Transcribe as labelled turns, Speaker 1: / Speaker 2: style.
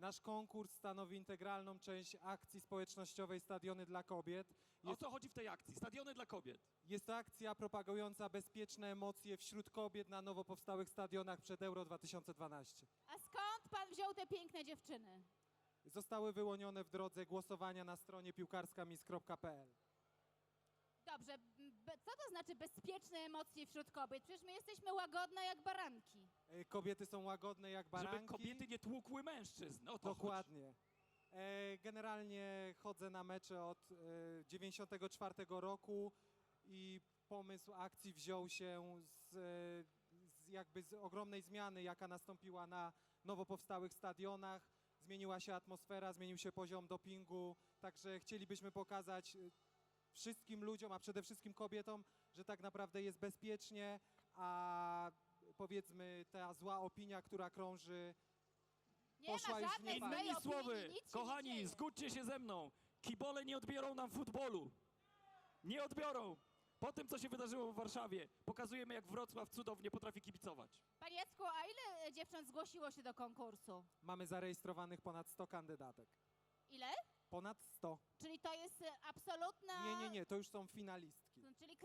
Speaker 1: Nasz konkurs stanowi integralną część akcji społecznościowej Stadiony dla Kobiet.
Speaker 2: O co chodzi w tej akcji? Stadiony dla kobiet.
Speaker 1: Jest to akcja propagująca bezpieczne emocje wśród kobiet na nowo powstałych stadionach przed Euro 2012.
Speaker 3: A skąd pan wziął te piękne dziewczyny?
Speaker 1: Zostały wyłonione w drodze głosowania na stronie piłkarskamis.pl.
Speaker 3: Dobrze, co to znaczy bezpieczne emocje wśród kobiet? Przecież my jesteśmy łagodne jak baranki.
Speaker 1: Kobiety są łagodne jak baranki.
Speaker 2: Żeby kobiety nie tłukły mężczyzn. O to
Speaker 1: Dokładnie. Generalnie chodzę na mecze od 94 roku i pomysł akcji wziął się z ogromnej zmiany, jaka nastąpiła na nowo powstałych stadionach. Zmieniła się atmosfera, zmienił się poziom dopingu, także chcielibyśmy pokazać wszystkim ludziom, a przede wszystkim kobietom, że tak naprawdę jest bezpiecznie, a powiedzmy ta zła opinia, która krąży,
Speaker 3: Nie
Speaker 1: Poszła
Speaker 3: ma
Speaker 1: już
Speaker 3: żadnej
Speaker 1: w
Speaker 3: złej
Speaker 2: Innymi
Speaker 3: opinii,
Speaker 2: słowy,
Speaker 3: nic się nie
Speaker 2: kochani,
Speaker 3: dzieje.
Speaker 2: zgódźcie się ze mną. Kibole nie odbiorą nam futbolu. Nie odbiorą. Po tym, co się wydarzyło w Warszawie, pokazujemy, jak Wrocław cudownie potrafi kibicować.
Speaker 3: Panie Jacku, a ile dziewcząt zgłosiło się do konkursu?
Speaker 1: mamy zarejestrowanych ponad 100 kandydatek.
Speaker 3: Ile?
Speaker 1: Ponad 100.
Speaker 3: Czyli to jest absolutna...
Speaker 1: Nie, to już są finalistki.
Speaker 3: Czyli